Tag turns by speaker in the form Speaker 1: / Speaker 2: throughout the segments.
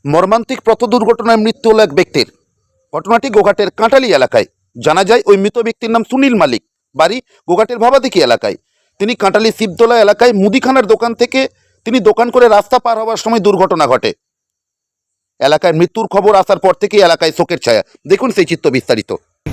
Speaker 1: মর্মান্তিক পথ দুর্ঘটনায় মৃত্যু হল এক ব্যক্তির। ঘটনাটি গোঘাটের কাঁটালি এলাকায়। জানা যায় ওই মৃত ব্যক্তির নাম সুনীল মালিক, বাড়ি গোঘাটের ভাবাদিঘি এলাকায়। তিনি কাঁটালি শিবতলা এলাকায় মুদিখানার দোকান থেকে তিনি দোকান করে রাস্তা পার হওয়ার সময় দুর্ঘটনা ঘটে। এলাকায় মৃত্যুর খবর আসার পর থেকে এলাকায় শোকের ছায়া। দেখুন সেই চিত্র বিস্তারিত।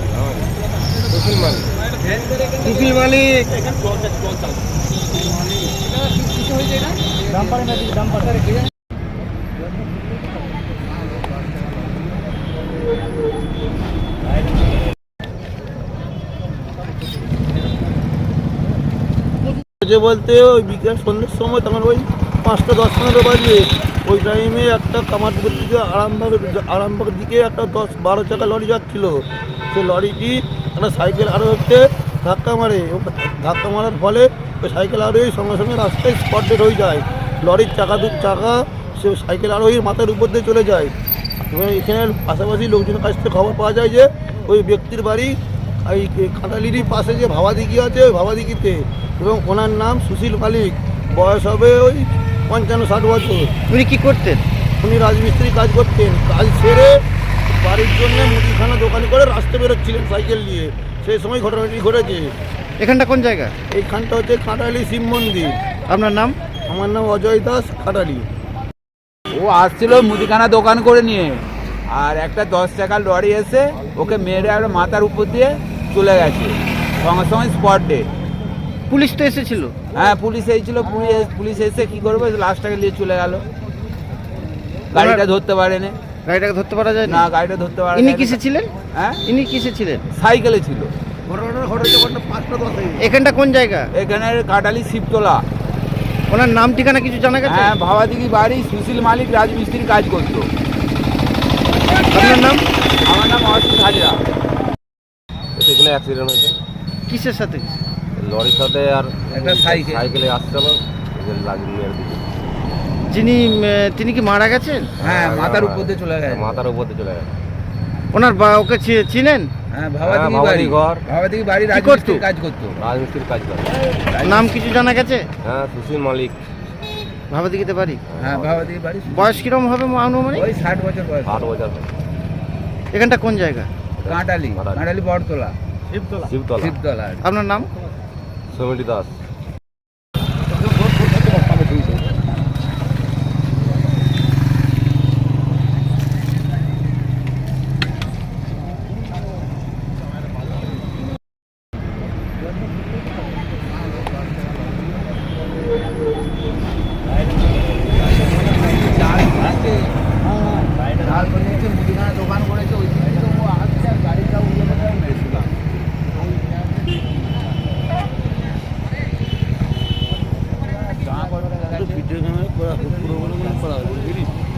Speaker 2: বলতে ওই বিকেল সন্ধ্যের সময় তখন ওই 5টা 10-15 বাজে ওই টাইমে একটা কামারপুকুর দিকে আরামবাগের দিকে একটা 10-12 চাকা লরি যাচ্ছিল। সে লরিটি একটা সাইকেল আরোহীকে ধাক্কা মারে। ধাক্কা মারার ফলে ওই সাইকেল আরোহী সঙ্গে সঙ্গে রাস্তায় স্পট ডেড হয়ে যায়। লরির চাকা সে সাইকেল আরোহীর মাথার উপর দিয়ে চলে যায়। এবং এখানে পাশাপাশি লোকজনের কাছ থেকে খবর পাওয়া যায় যে ওই ব্যক্তির বাড়ি এই কাঁটালির পাশে যে ভাবাদিঘি আছে ওই ভাবাদিঘিতে, এবং ওনার নাম সুশীল মালিক। বয়স হবে ওই 55-60 বছর।
Speaker 3: উনি কি করতেন?
Speaker 2: উনি রাজমিস্ত্রি কাজ করতেন। কাজ সেরে বাড়ির জন্য মুদিখানা দোকান করে রাস্তা বেরোচ্ছিলেন সাইকেল নিয়ে, সেই সময় ঘটনাটি ঘটেছে।
Speaker 3: এখানটা কোন জায়গা?
Speaker 2: এইখানটা হচ্ছে কাঁটালি শিব মন্দির।
Speaker 3: আপনার নাম?
Speaker 2: আমার নাম অজয় দাস, কাঁটালি।
Speaker 4: ও আসছিল মুদিখানা দোকান করে নিয়ে, আর একটা 10 চাকার লরি এসে ওকে মেরে আর মাথার উপর দিয়ে চলে গেছে, সঙ্গে সঙ্গে স্পট ডেড।
Speaker 3: পুলিশ তো এসেছিল?
Speaker 4: হ্যাঁ, পুলিশ এসেছিল। পুলিশ এসে কি করবে, লাশটাকে নিয়ে চলে গেল। গাড়িটা ধরতে পারেনি।
Speaker 3: গাড়িটাকে ধরতে পারা যায়
Speaker 4: না, গাড়িটা ধরতে পারে।
Speaker 3: ইনি কিসে ছিলেন?
Speaker 4: হ্যাঁ,
Speaker 3: ইনি কিসে ছিলেন?
Speaker 4: সাইকেলে ছিল।
Speaker 2: ঘটনাটা ঘটেছে 5টা 10-এ।
Speaker 3: এখানটা কোন জায়গা?
Speaker 4: এখানে কাঁটালি শিবতলা।
Speaker 3: ওনার নাম ঠিকানা কিছু জানা গেছে?
Speaker 4: হ্যাঁ, ভাবাদিঘি বাড়ি। সুশীল মালিক রাজমিস্ত্রি কাজ করতো।
Speaker 3: আপনার নাম?
Speaker 4: আমার নাম অসিত হাজরা।
Speaker 5: এখানে অ্যাক্সিডেন্ট হয়েছে
Speaker 3: কিসের সাথে?
Speaker 5: লরির সাথে, আর
Speaker 4: একটা
Speaker 5: সাইকেলে আসছিল, লাগিয়ে মেরে দিয়েছে।
Speaker 3: তিনি কি মারা গেছেন?
Speaker 4: হ্যাঁ, মাথার উপর দিয়ে চলে গেছে।
Speaker 5: মাথার উপর দিয়ে চলে গেছে।
Speaker 3: ওনার ওকে চিনেন?
Speaker 4: হ্যাঁ, ভাবাদিঘি
Speaker 5: ভাবাদিঘি
Speaker 4: বাড়ি।
Speaker 5: ঘর।
Speaker 4: ভাবাদিঘি বাড়ি
Speaker 3: কি করতো?
Speaker 4: রাজমিস্ত্রি কাজ করতো।
Speaker 5: রাজমিস্ত্রির কাজ করে।
Speaker 3: নাম কিছু জানা গেছে?
Speaker 5: হ্যাঁ, সুশীল মালিক।
Speaker 3: ভাবাদিঘিতে বাড়ি।
Speaker 4: হ্যাঁ, ভাবাদিঘি বাড়ি।
Speaker 3: বয়স কিরম হবে আনুমানিক?
Speaker 4: ওই 60 বছর বয়স।
Speaker 5: 8 বছর।
Speaker 3: এখানটা কোন জায়গা?
Speaker 4: কাঁটালি বটতলা,
Speaker 5: শিবতলা।
Speaker 4: শিবতলা।
Speaker 3: আপনার নাম?
Speaker 5: সমিতি দাস।
Speaker 4: মুদিখানা দোকান করেছে, ওই দিকে তো ও আসছে আর গাড়িটা উড়ে কোথায় মেরেছিল।
Speaker 2: ভিডিও ক্যামেরা করা পুরো করা